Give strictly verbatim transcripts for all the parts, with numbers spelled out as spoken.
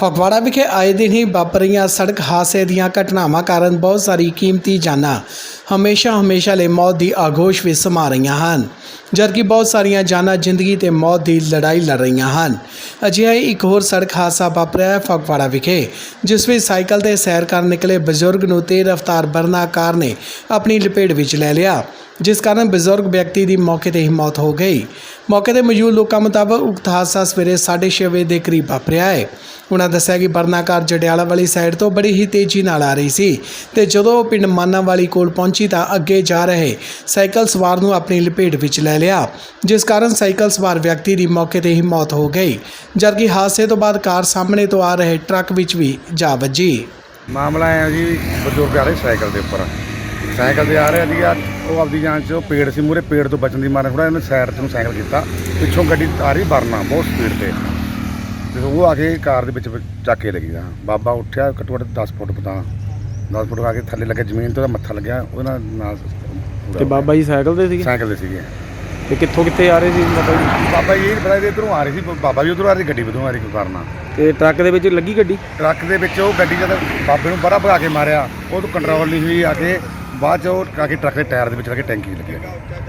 ਫਗਵਾੜਾ ਵਿਖੇ ਆਏ ਦਿਨ ਹੀ ਵਾਪਰ ਰਹੀਆਂ ਸੜਕ ਹਾਦਸੇ ਦੀਆਂ ਘਟਨਾਵਾਂ ਕਾਰਨ ਬਹੁਤ ਸਾਰੀ ਕੀਮਤੀ ਜਾਨਾਂ ਹਮੇਸ਼ਾ ਹਮੇਸ਼ਾ ਲਈ ਮੌਤ ਦੀ ਆਗੋਸ਼ ਵਿੱਚ ਸਮਾ ਰਹੀਆਂ ਹਨ, ਜਦਕਿ ਬਹੁਤ ਸਾਰੀਆਂ ਜਾਨਾਂ ਜ਼ਿੰਦਗੀ ਤੇ ਮੌਤ ਦੀ ਲੜਾਈ ਲੜ ਰਹੀਆਂ ਹਨ। ਅਜਿਹਾ ਹੀ ਇੱਕ ਹੋਰ ਸੜਕ ਹਾਦਸਾ ਵਾਪਰਿਆ ਹੈ ਫਗਵਾੜਾ ਵਿਖੇ, ਜਿਸ ਵਿੱਚ ਸਾਈਕਲ ਤੇ ਸੈਰ ਕਰਨ ਨਿਕਲੇ ਬਜ਼ੁਰਗ ਨੂੰ ਤੇਜ਼ ਰਫ਼ਤਾਰ ਵਰਨਾ ਕਾਰ ਨੇ ਆਪਣੀ ਲਪੇਟ ਵਿੱਚ ਲੈ ਲਿਆ, ਜਿਸ ਕਾਰਨ ਬਜ਼ੁਰਗ ਵਿਅਕਤੀ ਦੀ ਮੌਕੇ ਤੇ ਹੀ ਮੌਤ ਹੋ ਗਈ। ਮੌਕੇ ਤੇ ਮੌਜੂਦ ਲੋਕਾਂ ਮੁਤਾਬਕ ਉਕਤ ਹਾਦਸਾ ਸਵੇਰੇ ਸਾਢੇ ਛੇ ਵਜੇ ਦੇ ਕਰੀਬ ਵਾਪਰਿਆ ਹੈ। ਉਹਨਾਂ ਦੱਸਿਆ ਕਿ ਵਰਨਾ ਕਾਰ ਜੜਿਆਲਾ ਵਾਲੀ ਸਾਈਡ ਤੋਂ ਬੜੀ ਹੀ ਤੇਜ਼ੀ ਨਾਲ ਆ ਰਹੀ ਸੀ ਤੇ ਜਦੋਂ ਉਹ ਪਿੰਡ ਮਾਨਾਵਾਲੀ ਕੋਲ ਪਹੁੰਚੀ ਤਾਂ ਅੱਗੇ ਜਾ ਰਹੇ ਸਾਈਕਲ ਸਵਾਰ ਨੂੰ ਆਪਣੀ ਲਪੇਟ ਵਿੱਚ ਲੈ ਲਿਆ, ਜਿਸ ਕਾਰਨ ਸਾਈਕਲ ਸਵਾਰ ਵਿਅਕਤੀ ਦੀ ਮੌਕੇ ਤੇ ਹੀ ਮੌਤ ਹੋ ਗਈ, ਜਦਕਿ ਹਾਦਸੇ ਤੋਂ ਬਾਅਦ ਕਾਰ ਸਾਹਮਣੇ ਤੋਂ ਆ ਰਹੇ ਟਰੱਕ ਵਿੱਚ ਵੀ ਜਾ ਵੱਜੀ। ਮਾਮਲਾ ਹੈ ਜੀ, ਬਜ਼ੁਰਗ ਆ ਰਹੇ ਸਾਈਕਲ ਦੇ ਉੱਪਰ ਸਾਈਕਲ ਤੇ ਆ ਰਿਹਾ ਸੀਗਾ, ਉਹ ਆਪਦੀ ਜਾਨ 'ਚ ਉਹ ਪੇੜ ਸੀ ਮੂਹਰੇ, ਪੇੜ ਤੋਂ ਬਚਣ ਦੀ ਮਾਰੇ ਥੋੜ੍ਹਾ ਇਹਨੇ ਸਾਈਡ 'ਚ ਨੂੰ ਸਾਈਕਲ ਕੀਤਾ, ਪਿੱਛੋਂ ਗੱਡੀ ਆ ਰਹੀ ਵਰਨਾ ਬਹੁਤ ਸਪੀਡ 'ਤੇ ਤੇ ਉਹ ਆ ਕੇ ਕਾਰ ਦੇ ਵਿੱਚ ਚੱਕ ਕੇ ਲੱਗੀ। ਬਾਬਾ ਉੱਠਿਆ ਘੱਟੋ ਘੱਟ ਦਸ ਫੁੱਟ ਪਤਾ ਦਸ ਫੁੱਟ ਆ ਕੇ ਥੱਲੇ ਲੱਗੇ ਜ਼ਮੀਨ ਤੋਂ, ਉਹਦਾ ਮੱਥਾ ਲੱਗਿਆ ਉਹਦੇ ਨਾਲ ਨਾਲ ਤੇ ਬਾਬਾ ਜੀ ਸਾਈਕਲ ਤੇ ਸੀਗੇ? ਸਾਈਕਲ ਤੇ ਸੀਗੇ। ਤੇ ਕਿੱਥੋਂ ਕਿੱਥੇ ਆ ਰਹੇ ਸੀ ਬਾਬਾ ਜੀ? ਬਾਬਾ ਜੀ ਇਹ ਪਤਾ ਨਹੀਂ ਇੱਧਰੋਂ ਆ ਰਹੀ ਸੀ, ਬਾਬਾ ਜੀ ਉੱਧਰੋਂ ਆ ਰਹੀ, ਗੱਡੀ ਉੱਧਰੋਂ ਆ ਰਹੀ ਵਰਨਾ। ਤੇ ਟਰੱਕ ਦੇ ਵਿੱਚ ਲੱਗੀ ਗੱਡੀ? ਟਰੱਕ ਦੇ ਵਿੱਚ ਉਹ ਗੱਡੀ ਜਦ ਬਾਬੇ ਨੂੰ ਬੜਾ ਭਗਾ ਕੇ ਮਾਰਿਆ, ਉਹ ਤੋਂ ਕੰਟਰੋਲ ਨਹੀਂ ਹੋਈ, ਆ ਕੇ ਬਾਅਦ 'ਚ ਉਹ ਆ ਕੇ ਟਰੱਕ ਦੇ ਟਾਇਰ ਦੇ ਵਿੱਚ ਲੱਗੇ ਟੈਂਕੀ ਲੱਗਿਆ,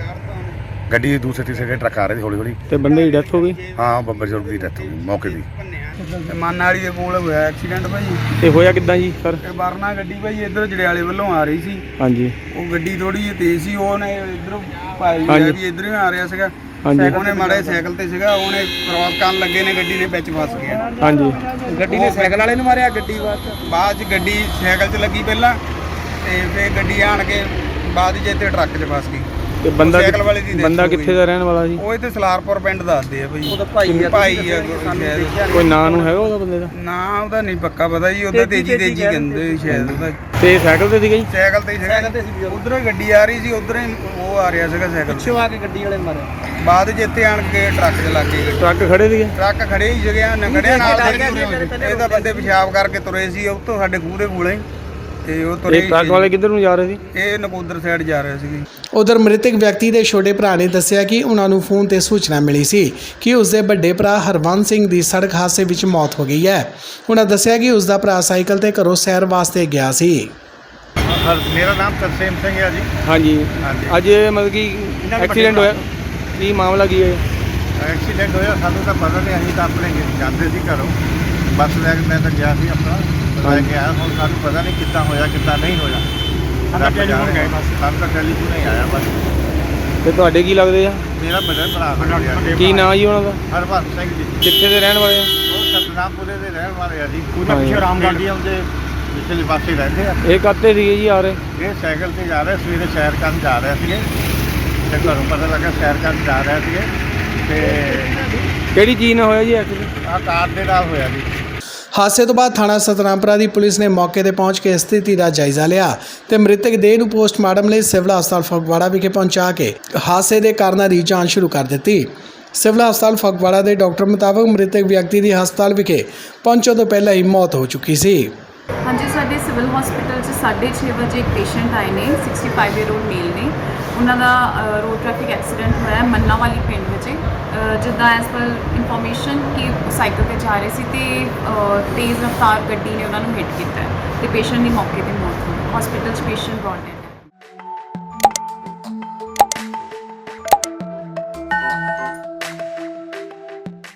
ਗੱਡੀ ਦੂਸਰੇ ਤੀਸਰੇ ਟਰੱਕ ਆ ਰਹੇ ਸੀ ਹੌਲੀ ਹੌਲੀ। ਤੇ ਬੰਦੇ ਦੀ ਡੈਥ ਹੋ ਗਈ? ਹਾਂ, ਬਜ਼ੁਰਗ ਦੀ ਡੈਥ ਹੋ ਗਈ ਮੌਕੇ ਦੀ। ਮਾਨਾਵਾਲੀ ਦੇ ਕੋਲ ਹੋਇਆ ਐਕਸੀਡੈਂਟ ਭਾਈ। ਤੇ ਹੋਇਆ ਕਿੱਦਾਂ ਜੀ ਸਰ? ਇਹ ਵਰਨਾ ਗੱਡੀ ਭਾਈ ਇੱਧਰ ਜੜਿਆਲੇ ਵੱਲੋਂ ਆ ਰਹੀ ਸੀ। ਹਾਂਜੀ। ਉਹ ਗੱਡੀ ਥੋੜੀ ਜਿਹੀ ਤੇਜ਼ ਸੀ, ਉਹਨੇ ਇੱਧਰੋਂ ਭਾਈ ਹਾਂਜੀ। ਵੀ ਇੱਧਰੋਂ ਹੀ ਆ ਰਿਹਾ ਸੀਗਾ। ਹਾਂਜੀ। ਉਹਨੇ ਮਾੜੇ ਸਾਈਕਲ ਤੇ ਸੀਗਾ, ਉਹਨੇ ਕ੍ਰਾਸ ਕਰਨ ਲੱਗੇ ਨੇ ਗੱਡੀ ਨੇ ਵਿੱਚ ਫਸ ਗਿਆ। ਹਾਂਜੀ। ਗੱਡੀ ਨੇ ਸਾਈਕਲ ਵਾਲੇ ਨੂੰ ਮਾਰਿਆ, ਗੱਡੀ ਬਾਅਦ ਬਾਅਦ 'ਚ ਗੱਡੀ ਸਾਈਕਲ 'ਚ ਲੱਗੀ ਪਹਿਲਾਂ, ਤੇ ਫਿਰ ਗੱਡੀ ਆਣ ਕੇ ਬਾਅਦ 'ਚ ਇੱਥੇ ਟਰੱਕ 'ਚ ਫਸ ਗਈ। ਤੇ ਬੰਦਾ ਸਾਈਕਲ ਵਾਲੇ ਦੀ ਬੰਦਾ ਕਿੱਥੇ ਦਾ ਰਹਿਣ ਵਾਲਾ ਜੀ? ਉਹ ਇੱਥੇ ਸਲਾਰਪੁਰ ਪਿੰਡ ਦੱਸਦੇ ਆ ਭਾਈ। ਉਹਦਾ ਭਾਈ ਆ, ਭਾਈ ਆ ਸ਼ਾਇਦ। ਕੋਈ ਨਾਂ ਨੂੰ ਹੈਗਾ ਉਹਦਾ ਬੰਦੇ ਦਾ? ਨਾ ਉਹਦਾ ਨਹੀਂ ਪੱਕਾ ਪਤਾ ਜੀ, ਉਹਦਾ ਤੇਜੀ ਤੇਜੀ ਕਹਿੰਦੇ ਸ਼ਾਇਦ ਉਹਦਾ। ਤੇ ਸਾਈਕਲ ਤੇ ਸੀਗਾ ਜੀ? ਸਾਈਕਲ ਤੇ ਸੀਗਾ, ਉਧਰੋਂ ਹੀ ਗੱਡੀ ਆ ਰਹੀ ਸੀ, ਉਧਰੋਂ ਹੀ ਉਹ ਆ ਰਿਹਾ ਸੀਗਾ ਸਾਈਕਲ ਪਿੱਛੋਂ ਆ ਕੇ ਗੱਡੀ ਵਾਲੇ ਮਾਰਿਆ। ਬਾਅਦ ਚ ਇੱਥੇ ਆਣ ਕੇ ਟਰੱਕ 'ਚ ਲੱਗ ਗਏ। ਟਰੱਕ ਖੜੇ ਸੀਗੇ? ਟਰੱਕ ਖੜੇ ਹੀ ਸੀਗੇ, ਨੰਗੜਿਆਂ ਨਾਲ ਇਹ ਤਾਂ ਬੰਦੇ ਪਿਸ਼ਾਬ ਕਰਕੇ ਤੁਰੇ ਸੀ, ਉਹ ਤੋਂ ਸਾਡੇ ਖੂਹ ਦੇ ਕੋਲੇ ਤੇ ਉਹ ਤੁਰੇ। ਇਹ ਟਰੱਕ ਵਾਲੇ ਕਿੱਧਰ ਨੂੰ ਜਾ ਰਹੇ ਸੀ? ਇਹ ਨਕੋਦਰ ਸਾਈਡ ਜਾ ਰਹੇ ਸੀਗੇ। ਉਧਰ ਮ੍ਰਿਤਕ ਵਿਅਕਤੀ ਦੇ ਛੋਟੇ ਭਰਾ ਨੇ ਦੱਸਿਆ ਕਿ ਉਹਨਾਂ ਨੂੰ ਫੋਨ ਤੇ ਸੂਚਨਾ ਮਿਲੀ ਸੀ ਕਿ ਉਸਦੇ ਵੱਡੇ ਭਰਾ ਹਰਵੰਤ ਸਿੰਘ ਦੀ ਸੜਕ ਹਾਦਸੇ ਵਿੱਚ ਮੌਤ ਹੋ ਗਈ ਹੈ। ਉਹਨਾਂ ਦੱਸਿਆ ਕਿ ਉਸਦਾ ਭਰਾ ਸਾਈਕਲ ਤੇ ਘਰੋਂ ਸੈਰ ਵਾਸਤੇ ਗਿਆ ਸੀ। ਮੇਰਾ ਨਾਮ ਤਰਸੇਮ ਸਿੰਘ ਹੈ ਜੀ। ਹਾਂਜੀ। ਅੱਜ ਮਤਲਬ ਕਿ ਐਕਸੀਡੈਂਟ ਹੋਇਆ, ਕੀ ਮਾਮਲਾ ਕੀ ਹੈ? ਐਕਸੀਡੈਂਟ ਹੋਇਆ ਸਾਨੂੰ ਤਾਂ ਪਤਾ ਨਹੀਂ, ਅਸੀਂ ਤਾਂ ਆਪਣੇ ਜਾਂਦੇ ਸੀ ਘਰੋਂ, ਬੱਸ ਲੈ ਕੇ ਮੈਂ ਤਾਂ ਗਿਆ ਸੀ ਆਪਣਾ ਲੈ ਕੇ ਆਇਆ। ਹੁਣ ਸਾਨੂੰ ਪਤਾ ਨਹੀਂ ਕਿੱਦਾਂ ਹੋਇਆ ਕਿੱਦਾਂ ਨਹੀਂ ਹੋਇਆ, ਸਾਨੂੰ ਤਾਂ ਟੈਲੀਫੋਨ ਹੀ ਆਇਆ ਬਸ। ਤੇ ਤੁਹਾਡੇ ਕੀ ਲੱਗਦੇ ਆ? ਮੇਰਾ ਵੱਡਾ ਭਰਾ। ਕੀ ਨਾਂ ਜੀ ਉਹਨਾਂ ਦਾ? ਹਰਵੰਤ ਸਿੰਘ ਜੀ। ਕਿੱਥੇ ਦੇ ਰਹਿਣ ਵਾਲੇ ਆ? ਉਹ ਸਤਨਾਮਪੁਰੇ ਦੇ ਰਹਿਣ ਵਾਲੇ ਆ ਜੀ। ਉਹਨਾਂ ਪਿੱਛੇ ਰਾਮਗੜ੍ਹ ਜੀ ਆਉਂਦੇ ਪਿਛਲੇ ਪਾਸੇ ਰਹਿੰਦੇ ਆ। ਇਹ ਕਾਹਤੇ ਸੀਗੇ ਜੀ ਆ ਰਹੇ? ਇਹ ਸਾਈਕਲ ਤੇ ਜਾ ਰਹੇ, ਸਵੇਰੇ ਸੈਰ ਕਰਨ ਜਾ ਰਹੇ ਸੀਗੇ ਤੇ ਘਰੋਂ ਪਤਾ ਲੱਗਾ ਸੈਰ ਕਰਨ ਜਾ ਰਹੇ ਸੀਗੇ ਤੇ ਕਿਹੜੀ ਚੀਜ਼ ਨਾਲ ਹੋਇਆ ਜੀ ਐਕਸੀਡੈਂਟ? ਆਹ ਕਾਰ ਦੇ ਨਾਲ ਹੋਇਆ ਜੀ। ਹਾਦਸੇ ਤੋਂ ਬਾਅਦ ਥਾਣਾ ਸਤਨਾਮਪੁਰਾ ਦੀ ਪੁਲਿਸ ਨੇ ਮੌਕੇ ਤੇ ਪਹੁੰਚ ਕੇ ਸਥਿਤੀ ਦਾ ਜਾਇਜ਼ਾ ਲਿਆ ਤੇ ਮ੍ਰਿਤਕ ਦੇਹ ਨੂੰ ਪੋਸਟਮਾਰਟਮ ਲਈ ਸਿਵਲ ਹਸਪਤਾਲ ਫਗਵਾੜਾ ਵਿਖੇ ਪਹੁੰਚਾ ਕੇ ਹਾਦਸੇ ਦੇ ਕਾਰਨਾਂ ਦੀ ਜਾਂਚ ਸ਼ੁਰੂ ਕਰ ਦਿੱਤੀ। ਸਿਵਲ ਹਸਪਤਾਲ ਫਗਵਾੜਾ ਦੇ ਡਾਕਟਰ ਮੁਤਾਬਕ ਮ੍ਰਿਤਕ ਵਿਅਕਤੀ ਦੀ ਹਸਪਤਾਲ ਵਿਖੇ ਪਹੁੰਚਣ ਤੋਂ ਪਹਿਲਾਂ ਹੀ ਮੌਤ ਹੋ ਚੁੱਕੀ ਸੀ। ਹਾਂਜੀ, ਸਾਡੇ ਸਿਵਲ ਹਸਪੀਟਲ 'ਚ ਸਾਢੇ ਛੇ ਵਜੇ ਇੱਕ ਪੇਸ਼ੈਂਟ ਆਏ ਨੇ, ਪੈਂਸਠ ਈਅਰ ਓਲਡ ਮੇਲ ਨੇ। ਉਹਨਾਂ ਦਾ ਰੋਡ ਟ੍ਰੈਫਿਕ ਐਕਸੀਡੈਂਟ ਹੋਇਆ ਹੈ ਮੰਨਾਵਾਲੀ ਪਿੰਡ ਵਿੱਚ। ਜਿੱਦਾਂ ਐਸ ਪਰ ਇਨਫੋਰਮੇਸ਼ਨ ਕਿ ਸਾਈਕਲ ਤੇ ਜਾ ਰਹੇ ਸੀ ਤੇ ਤੇਜ਼ ਰਫ਼ਤਾਰ ਗੱਡੀ ਨੇ ਉਹਨਾਂ ਨੂੰ ਹਿੱਟ ਕੀਤਾ ਤੇ ਪੇਸ਼ੈਂਟ ਦੀ ਮੌਕੇ 'ਤੇ ਮੌਤ ਹੋ ਗਈ। ਹਸਪੀਟਲ 'ਚ ਪੇਸ਼ੈਂਟ ਬ੍ਰੌਟ ਡੈਡ।